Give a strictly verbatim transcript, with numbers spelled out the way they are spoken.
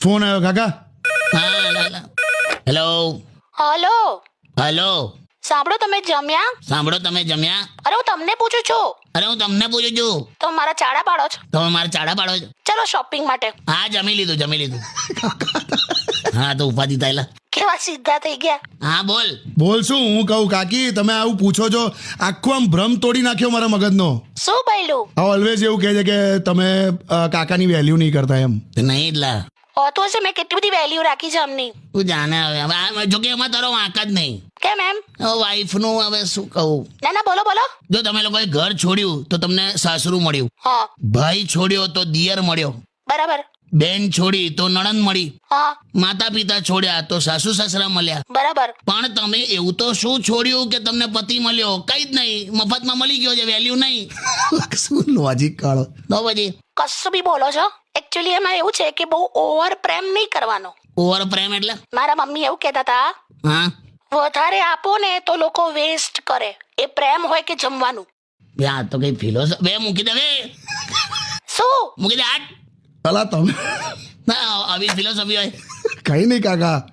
Phone આવ્યો કાકા. હા હેલો હલો હેલો સાંભળો, તમે જમ્યા? સાંભળો, તમે જમ્યા? અરે હું તમને પૂછું છું. અરે હું તમને પૂછું છું. તમે મારા ચાડા પાડો છો? તમે મારા ચાડા પાડો છો? ચલો શોપિંગ માટે. હા જમી લીધું જમી લીધું. હા તો ઉપાધિ થયેલા. કેવા સીધા થઈ ગયા. હા બોલ. બોલ શું હું કહું કાકી, તમે આવું પૂછો છો, આખું આમ ભ્રમ તોડી નાખ્યો મારા મગજનો. શું બોલ્યું? આ ઓલવેઝ એવું કહે છે કે તમે અ, કાકાની વેલ્યુ નહીં કરતા એમ. નહીં એટલા હોતું હશે, મેં કેટલી બધી વેલ્યુ રાખી છે અમની. તું જાણે હવે હવે આ- જો કે એમાં તારો વાંક જ નહીં. કેમ એમ? વાઈફનું હવે શું કહું. ના ના બોલો બોલો. જો તમે લોકોએ ઘર છોડ્યું તો તમને સાસરું મળ્યું, હા ભાઈ છોડ્યો તો દિયર મળ્યો, બરાબર. બેન છોડી તો નણંદ મળી, હા માતા પિતા છોડ્યા તો સાસુ સસરા મળ્યા. બરાબર. પણ તમે એવું તો શું છોડ્યું કે તમને પતિ મળ્યો? કઈ જ નહીં, મફતમાં મળી ગયો છે, વેલ્યુ નહીં. શું લોજિક કાઢો. તો પછી કશું બી બોલો છો. એકચ્યુઅલી એમાં એવું છે કે બહુ ઓવર પ્રેમ નહીં કરવાનો. ઓવર પ્રેમ એટલે? મારા મમ્મી એવું કહેતા હતા, હા વધારે આપો ને તો લોકો વેસ્ટ કરે. એ પ્રેમ હોય કે જમવાનું. બે આ તો કઈ ફિલોસોફી બે મૂકી દે બે શું? મૂકી દે આટ. અલા તમે ના આવી ફિલોસોફી હોય. કઈ નહીં કાકા.